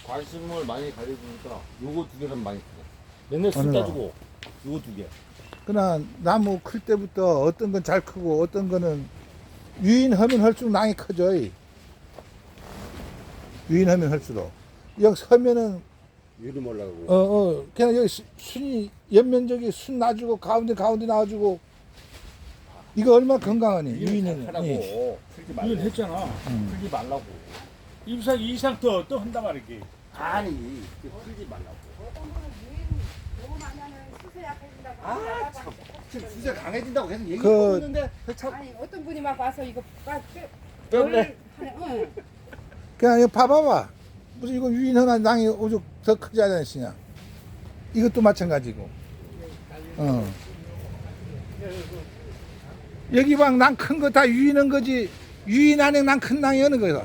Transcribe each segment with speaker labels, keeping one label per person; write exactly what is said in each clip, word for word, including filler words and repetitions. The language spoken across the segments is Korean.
Speaker 1: 관심을 많이 가져주니까 요거 두 개는 많이 크고 맨날 술
Speaker 2: 어느 거?
Speaker 1: 따주고 요거 두 개.
Speaker 2: 그러나 나무 클 때부터 어떤 건 잘 크고 어떤 거는 유인하면 할수록 낭이 커져. 유인하면 할수록. 여기 서면은
Speaker 1: 위로 올라가고.
Speaker 2: 어, 어, 그냥 여기 수- 순이 옆면적이 순 놔주고 가운데 가운데 놔주고 이거 얼마나 건강하니 유인은.
Speaker 1: 하라고
Speaker 2: 예.
Speaker 1: 풀지
Speaker 3: 이건
Speaker 1: 말고.
Speaker 3: 했잖아.
Speaker 2: 음.
Speaker 1: 풀지 말라고.
Speaker 3: 이상 이상 또 또 한단 말이지.
Speaker 1: 아니 풀지 말라고.
Speaker 4: 너무 많이 하면 수세 약해진다고.
Speaker 1: 아 참. 지금 수세 강해진다고 계속 얘기하고
Speaker 2: 그-
Speaker 1: 있는데 참.
Speaker 4: 아니 어떤 분이 막 와서 이거 빠
Speaker 1: 때문에.
Speaker 4: 응.
Speaker 2: 그냥 이거 봐봐봐. 무슨 이거 유인하나 낭이 오죽 더 크지 않으시냐. 이것도 마찬가지고. 어. 여기 막 낭 큰 거 다 유인한 거지. 유인 안에 낭 큰 낭이 어느 거야.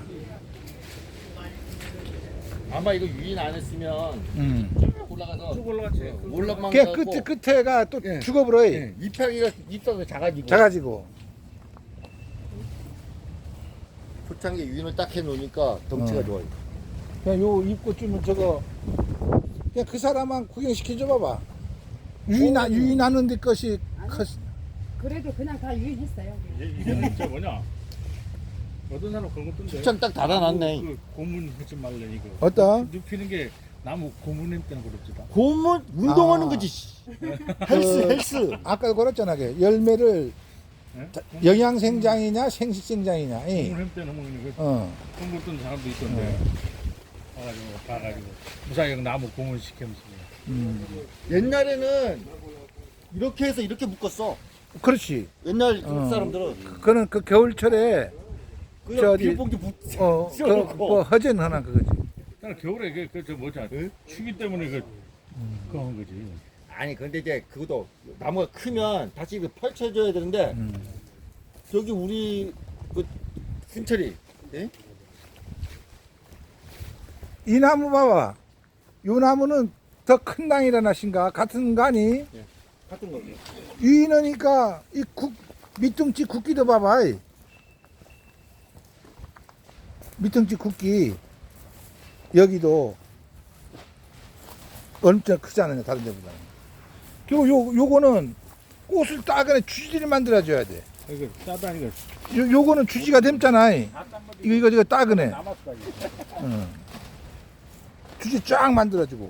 Speaker 1: 아마 이거 유인 안 했으면
Speaker 2: 음.
Speaker 1: 쭉 올라가서
Speaker 3: 쭉 올라갔지.
Speaker 1: 올라만
Speaker 2: 걔
Speaker 1: 가고
Speaker 2: 끝에 끝에가 또
Speaker 1: 예.
Speaker 2: 죽어버려.
Speaker 1: 예, 잎사귀가 잎사귀가 작아지고
Speaker 2: 작아지고.
Speaker 1: 초창기 유인을 딱 해놓으니까 덩치가
Speaker 2: 어.
Speaker 1: 좋아요.
Speaker 2: 그냥 요 입고 주면 저거 그냥 그 사람만 구경시켜줘 봐봐. 유인 안 유인하는 데 것이 컸.
Speaker 4: 그래도 그냥 다 유인했어요.
Speaker 3: 이거는 진짜 뭐냐? 어떤 사람 그런 것던데.
Speaker 1: 초창 딱 닫아놨네.
Speaker 3: 그 고문 하지 말래 이거.
Speaker 2: 어떠?
Speaker 3: 눕히는 게 나무 고문했 때는 그렇지다.
Speaker 1: 고문 운동하는
Speaker 2: 아.
Speaker 1: 거지. 씨. 헬스
Speaker 2: 그-
Speaker 1: 헬스.
Speaker 2: 아까 걸었잖아. 걔. 열매를
Speaker 3: 예?
Speaker 2: 자- 영양생장이냐 생식생장이냐. 예.
Speaker 3: 고문했 때는 먹는 거.
Speaker 2: 어.
Speaker 3: 그런 거 어떤 사람도 있던데. 봐가지고 봐가지고 무사히 나무 고문 시키면서.
Speaker 2: 음.
Speaker 1: 옛날에는 이렇게 해서 이렇게 묶었어.
Speaker 2: 그렇지.
Speaker 1: 옛날
Speaker 2: 어.
Speaker 1: 그 사람들은
Speaker 2: 그거는 그 겨울철에
Speaker 1: 그냥
Speaker 2: 저기-
Speaker 1: 비닐봉지 묶.
Speaker 2: 어, 그,
Speaker 1: 씌워놓고.
Speaker 2: 뭐 허전 하나 그거지.
Speaker 3: 나는 겨울에 그, 그, 저 뭐지, 추위 때문에 그, 그거 한 거지.
Speaker 1: 아니 근데 이제 그것도 나무가 크면 다시 이거 펼쳐줘야 되는데
Speaker 2: 음.
Speaker 1: 저기 우리 그 순철이 예?
Speaker 2: 이 나무 봐봐. 요 나무는 더 큰 낭이라나 신가 같은 거 아니?
Speaker 1: 같은 거지.
Speaker 2: 유인하니까 이 국, 밑둥치 굵기도 봐봐. 이. 밑둥치 굵기. 여기도 엄청 크잖아요. 다른 데보다. 그리고 요, 요거는 꽃을 따거나 주지를 만들어줘야 돼.
Speaker 3: 이거 짜다니까.
Speaker 2: 요, 요거는 주지가 됨잖아. 이. 이거, 이거, 이거 따거네.
Speaker 3: 남았어.
Speaker 2: 응. 주지 쫙 만들어주고.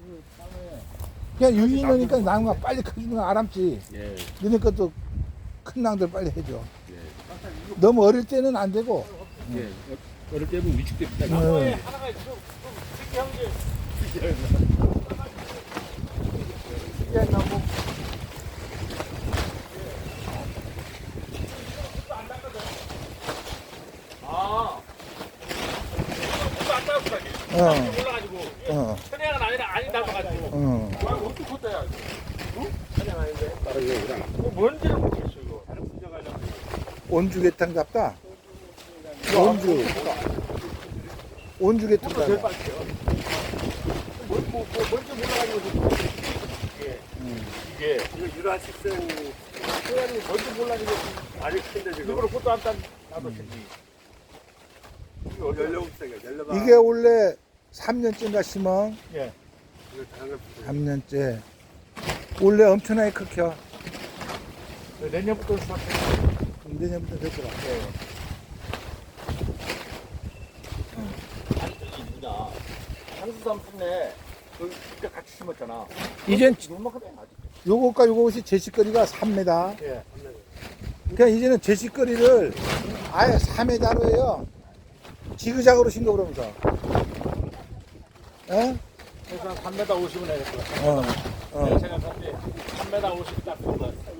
Speaker 2: 그냥 유인하니까 나무가 빨리 커지는 거 알았지.
Speaker 1: 예.
Speaker 2: 너네 것도 큰 낭들 빨리 해줘.
Speaker 1: 예.
Speaker 2: 너무 어릴 때는 안 되고.
Speaker 1: 예. 어릴 때는 위축됩니다.
Speaker 2: 응.
Speaker 3: 하나가 좀, 좀 특이한 게. 아. 이거 안 닿았어, 이게.
Speaker 2: 어,
Speaker 3: 올라가지고.
Speaker 2: 어,
Speaker 3: 천혜가 아니라 아니 닮아가지고.
Speaker 2: 어.
Speaker 3: 와, 어떻게 컸다야, 이거? 응? 천혜가 아닌데. 뭐 뭔지를 모르겠어, 이거. 다른 문제가 아니라.
Speaker 2: 온주개탕 같다. 온주. 온주개탕
Speaker 3: 제일
Speaker 2: 같다.
Speaker 3: 빨리요. 뭐, 뭐, 뭐, 뭔지 몰라가지고. 이게. 이게.
Speaker 5: 이거 유라식생
Speaker 3: 소양이 뭔지 몰라가지고.
Speaker 5: 아직 큰데 지금
Speaker 3: 일부러 꽃도 안 딴, 나도 생기.
Speaker 5: 연령생이야 연령아
Speaker 2: 이게 원래 삼 년째인가 심어.
Speaker 3: 예.
Speaker 5: 이거 다른 거
Speaker 2: 삼 년째. 원래 엄청나게 크켜.
Speaker 3: 내년부터 수확해.
Speaker 2: 내년부터 됐더라.
Speaker 1: 아니 저기 누구냐 향수삼 품네 그 그때 같이 심었잖아.
Speaker 2: 이젠
Speaker 1: 요만큼이 아직.
Speaker 2: 요것과 요것이 제식거리가 삼 미터.
Speaker 3: 예.
Speaker 2: 그러니까 이제는 제식거리를 아예 삼 미터로 해요. 지그작으로 신거 그러면서. 예?
Speaker 3: 그래서 한 삼 미터 오십은 해야 될 것 같아.
Speaker 2: 어, 어.
Speaker 3: 내가 생각할 때 삼 미터 오십 딱 좋은 것 같아.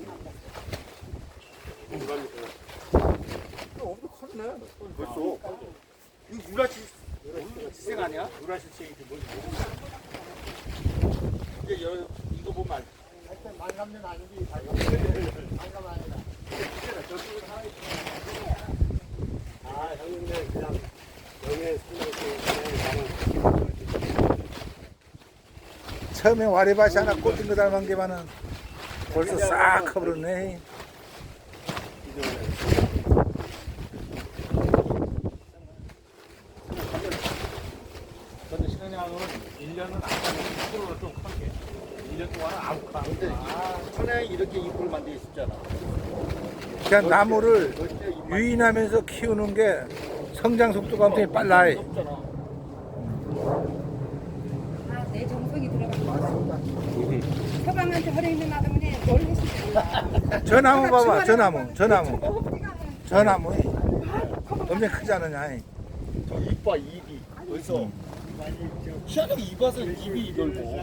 Speaker 1: 엄청 컸네. 벌써. 이거 유라시 지생 아니야?
Speaker 3: 유라실생이 뭐지?
Speaker 1: 이제 여, 이거 보면 알.
Speaker 5: 만감년 아니지 만감 아니다 아 형님들 그냥 연애 생각했을
Speaker 2: 처음에 와리바시 하나 꽂은 거 닮은 게만은 벌써 싹 커버렸네.
Speaker 1: 근데
Speaker 3: 천양은 일 년은 안 가는 프로는 좀 크게. 일 년 동안은 아무 가.
Speaker 1: 근데 천양이 이렇게 잎을 만들기 쉽잖아.
Speaker 2: 그냥 나무를 유인하면서 키우는 게 성장 속도가 엄청 빨라.
Speaker 4: 아, 내 정성이 들어간 서방한테 허리는 놔두면 뭘 했을까?
Speaker 2: 저 나무 봐봐, 저 나무, 저 나무, 저 나무. 엄청 크지 않느냐.
Speaker 1: 저 잎봐 잎이 벌써 희한하게 잎 와서 잎이 넓고.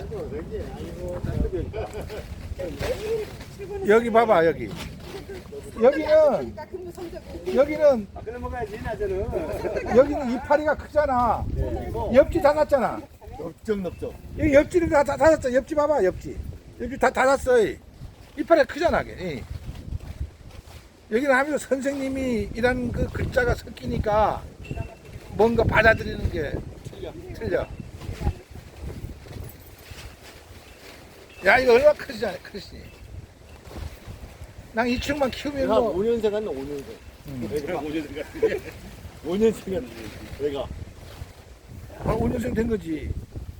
Speaker 2: 여기 봐봐, 여기. 여기는,
Speaker 4: 근무 성적이
Speaker 2: 여기는,
Speaker 5: 아, 그래 먹어야지 낮에는.
Speaker 2: 여기는 이파리가 크잖아. 옆지 닫았잖아.
Speaker 1: 넓적넓적.
Speaker 2: 여기 옆지를 다, 다 닫았어. 옆지 봐봐, 옆지. 옆지 다 닫았어. 이파리가 크잖아, 걔. 여기는 하면서 선생님이 이란 그 글자가 섞이니까 뭔가 받아들이는 게 틀려. 틀려. 야, 이거 얼마나 크지, 않아, 크지. 난 이 층만 키우면
Speaker 1: 내가
Speaker 2: 뭐.
Speaker 1: 오 년생 같네 오 년생.
Speaker 2: 음.
Speaker 1: 내가 오 년생 같네. 오 년생 같네. 내가.
Speaker 2: 아, 오 년생 된 거지.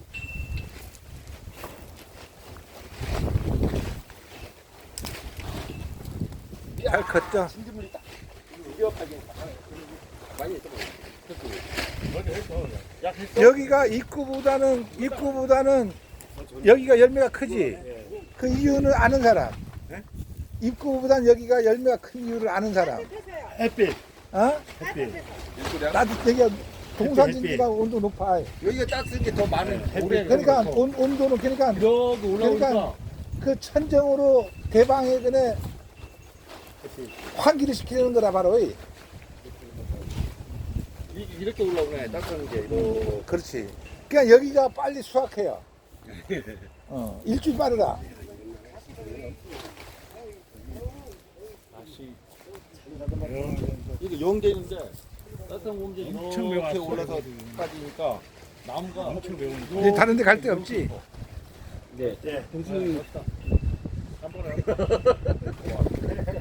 Speaker 2: 잘 컸죠?
Speaker 1: 진주물이 딱 위협하게 많이 했어.
Speaker 3: 먼저 했어. 약 했어.
Speaker 2: 여기가 입구보다는, 입구보다는 여기가 열매가 크지? 그 이유는 아는 사람. 입구보다는 여기가 열매가 큰 이유를 아는 사람.
Speaker 1: 햇빛.
Speaker 2: 어?
Speaker 1: 햇빛.
Speaker 2: 나도 여기가 동산진지가 온도 높아.
Speaker 1: 여기가 따뜻한 게 더 많은 햇빛.
Speaker 2: 그러니까 온, 온도는 그러니까
Speaker 1: 이렇게 올라오니까
Speaker 2: 그러니까 그 천정으로 대방에 그네 환기를 시키는 거라 바로. 이.
Speaker 1: 이- 이렇게 올라오네 따뜻한 게. 이렇게.
Speaker 2: 그렇지. 그러니까 여기가 빨리 수확해요. 어, 일주일 빠르다.
Speaker 1: 다시 이게 영대인데 따뜻한 공기 이렇게 올라서 빠지니까 나무가 엄청 매운.
Speaker 2: 이제 다른 데 갈 데 없지?
Speaker 1: 네.
Speaker 3: 네. 동순이 한 번에.